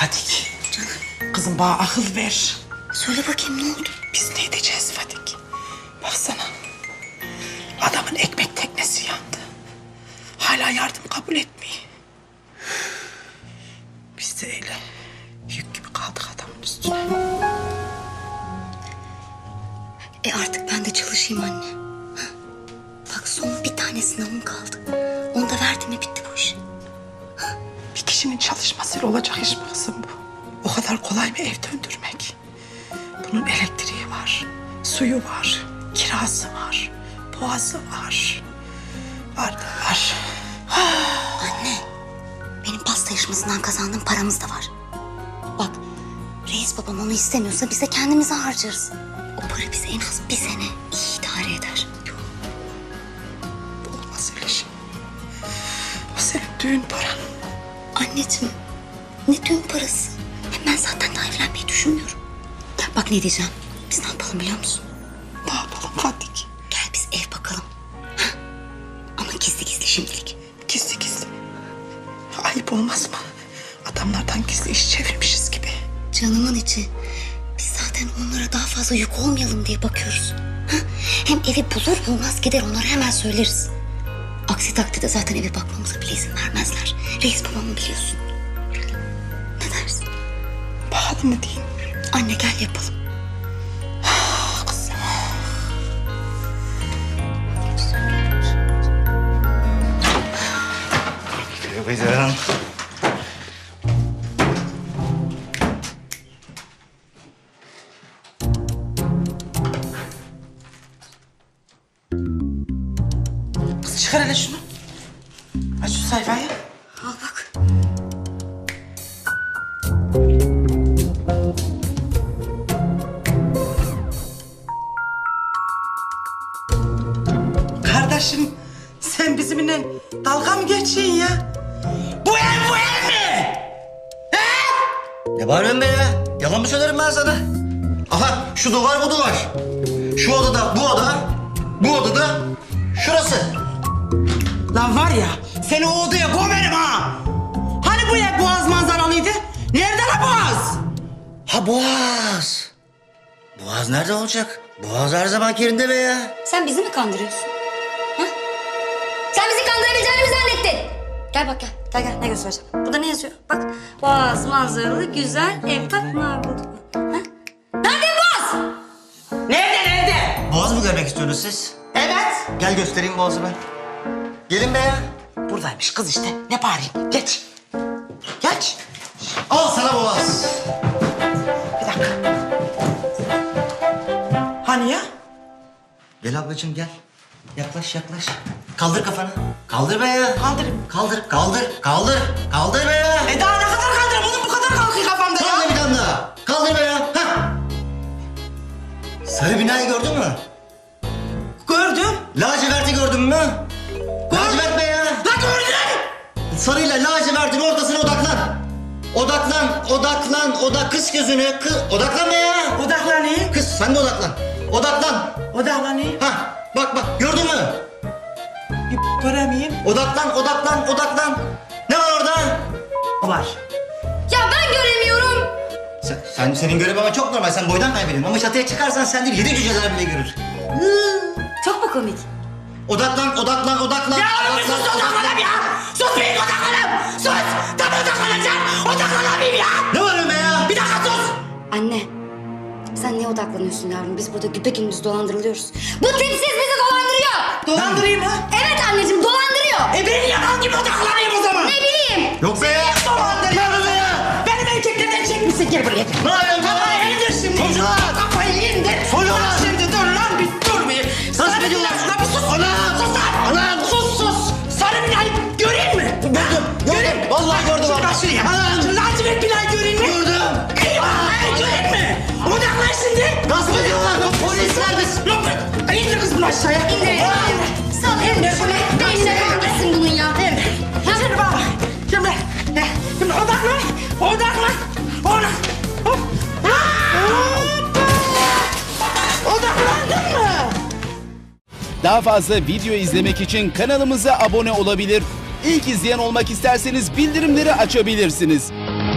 Fadik. Canım. Kızım bana akıl ver. Söyle bakayım ne oldu? Biz ne edeceğiz Fadik? Baksana. Adamın ekmek teknesi yandı. Hala yardım kabul etmiyor. Biz de öyle yük gibi kaldık adamın üstüne. Artık ben de çalışayım anne. Ha? Bak son bir tane sınavım kaldı. Onu da verdim mi bitti bu iş. Bir kişinin çalışmasıyla olacak iş mi kızım bu? O kadar kolay mı ev döndürmek? Bunun elektriği var, suyu var, kirası var, boğazı var. Var da var. Anne, benim pasta yarışmasından kazandığım paramız da var. Bak, reis babam onu istemiyorsa biz de kendimize harcarız. O para bize en az bir sene iyi idare eder. Bu olmaz öyle şey. O senin düğün paran. Anneciğim, ne düğün parası? Hem ben zaten daha evlenmeyi düşünmüyorum. Bak ne diyeceğim, biz ne yapalım biliyor musun? Ne yapalım Fadik? Gel biz ev bakalım. Ha? Ama gizli gizli şimdilik. Gizli gizli. Ayıp olmaz mı? Adamlardan gizli iş çevirmişiz gibi. Canımın içi. Biz zaten onlara daha fazla yük olmayalım diye bakıyoruz. Ha? Hem evi bulur bulmaz gider onlara hemen söyleriz. Aksi takdirde zaten eve bakmamıza bile izin vermezler. Reis babamı biliyorsun. Ne dersin? Pahalı mı diyeyim? Anne gel yapalım. Kızım. Günaydın. Kız çıkar hele şunu. Aç şu sayfayı. Al bak. Kardeşim sen bizimle dalga mı geçiyorsun ya? Bu ev mi? Ne bağırıyorsun be ya? Yalan mı söylerim ben sana? Aha şu duvar bu duvar. Şu odada bu oda. Bu odada şurası. Lan var ya seni o odaya koyarım ha. Hani bu ev Boğaz manzaralıydı? Nerede la Boğaz? Ha Boğaz. Boğaz nerede olacak? Boğaz her zaman yerinde be ya. Sen bizi mi kandırıyorsun? Ha? Sen bizi kandırabileceğini mi zannettin? Gel bak gel. Gel gel ne göstereceğim. Burada ne yazıyor? Bak. Boğaz manzaralı güzel ev takma bulduk. Ha? Nerede Boğaz? Nerede? Boğaz mı görmek istiyorsunuz siz? Evet. Gel göstereyim Boğaz'ı ben. Gelin be ya. Buradaymış kız işte. Ne bağırayım? Geç. Geç. Al sana Boğaz. Bir dakika. Hani ya? Gel ablacığım gel. Yaklaş yaklaş. Kaldır kafanı. Kaldır be ya. Kaldırayım. Kaldır kaldır kaldır. Kaldır be ya. Daha ne kadar kaldırayım? Bunun bu kadar kalkıyor kafamda ya. Kaldır bir tane daha. Kaldır be ya. Hah. Sarı binayı gördün mü? Gördüm. Laciverti gördün mü? Lacivert be ya. La gördüm. Sarıyla lacivertin ortasına odaklan. Odaklan. Kıs gözünü. Odaklan be ya. Odaklanayım. Kız sen de odaklan. Odaklan. Odaklanayım. Hah. Bak gördün mü? Bir göremeyeyim. Odaklan. Ne var orada? Var. Ya ben göremiyorum. Senin görememen çok normal. Sen boydan kaybediyorsun. Ama çatıya çıkarsan sen değil 7 cüceler bile görür. Çok mu komik? Odaklan. Ya oğlum bir sus odaklanayım ya. Sus bir odaklanayım. Sus. Tam odaklanacağım. Odaklanayım ya. Ne var be ya? Bir dakika sus. Anne. Sen niye odaklanıyorsun yavrum? Biz burada güpegündüz dolandırılıyoruz. Bu tipsiz bizi dolandırıyor. Dolandırayım ha? Evet anneciğim dolandırıyor. Ben yalan gibi odaklanayım o zaman. Ne bileyim. Yok be ya. Dolandırıyor. be ya? Benim erkeklerden çekmişsin. Gel buraya. Ne yapıyorsun? Kafayı indir şimdi. Çocuklar. Kafayı indir. Çocuklar. Şimdi dur lan bir dur bir. Sarı ediyorlar? Bilal, bir sus. Anam. Sus lan. Anam. Sus. Sarı Bilal göreyim mi? Gördüm. Vallahi gördüm. Şimdi bak şuraya. Anam. Lacivert Bilal göreyim mi? Gördüm. Göreyim mi? Odaklan şimdi. Gasp ediyorlar. Polisler de. Yok. İndir kız bunu aşağıya. İndir. Sal indir. Beynine kalmasın bunun ya. Şimdi bak. Şimdi odaklan. Hop. Odaklandın mı? Daha fazla video izlemek için kanalımıza abone olabilir. İlk izleyen olmak isterseniz bildirimleri açabilirsiniz.